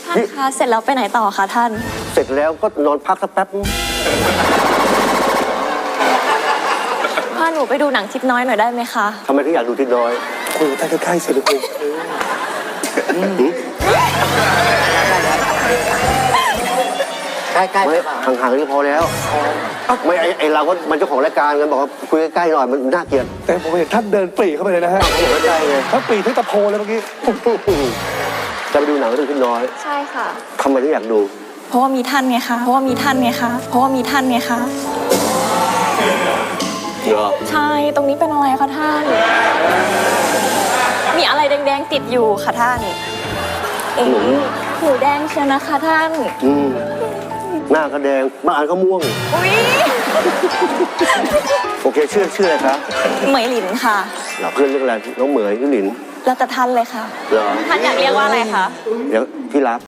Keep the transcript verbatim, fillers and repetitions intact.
ท่านคะเสร็จแล้วไปไหนต่อคะท่านเสร็จแล้วก็นอนพักสักแป๊บพาหนูไปดูหนังทิศน้อยหน่อยได้ไหมคะทำไมถึงอยากดูทิศน้อยคุยกันใกล้ๆสิลูกใกล้ๆไม่ห่างๆนี่พอแล้วไม่ไอไอเราก็มันเจ้าของรายการกันบอกว่าคุยใกล้ๆหน่อยมันน่าเกลียดแต่ผมเห็นท่านเดินปรีเข้าไปเลยนะฮะเขาบอกใกล้ๆไงท่านปรีที่ตะโพเลยเมื่อกี้จะไปดูหนังเรื่องทิศน้อยใช่ค่ะทำไมถึงอยากดูเพราะว่ามีท่านไงคะเพราะว่ามีท่านไงคะเพราะว่ามีท่านไงคะเหรอใช่ตรงนี้เป็นอะไรคะท่านมีอะไรแดงๆติดอยู่ค่ะท่านเอ๋หูแดงเชียวนะคะท่านอืมหน้าก็แดงบางอันก็ม่วงอุ๊ยโอเคชื่อชื่ออะไรคะเหมยหลินค่ะเราเพื่อนเรื่องอะไรน้องเหมยพี่หลินแล้วแต่ท่านเลยค่ะเหรอท่านอยากเรียกว่าอะไรคะเดี๋ยวที่รัก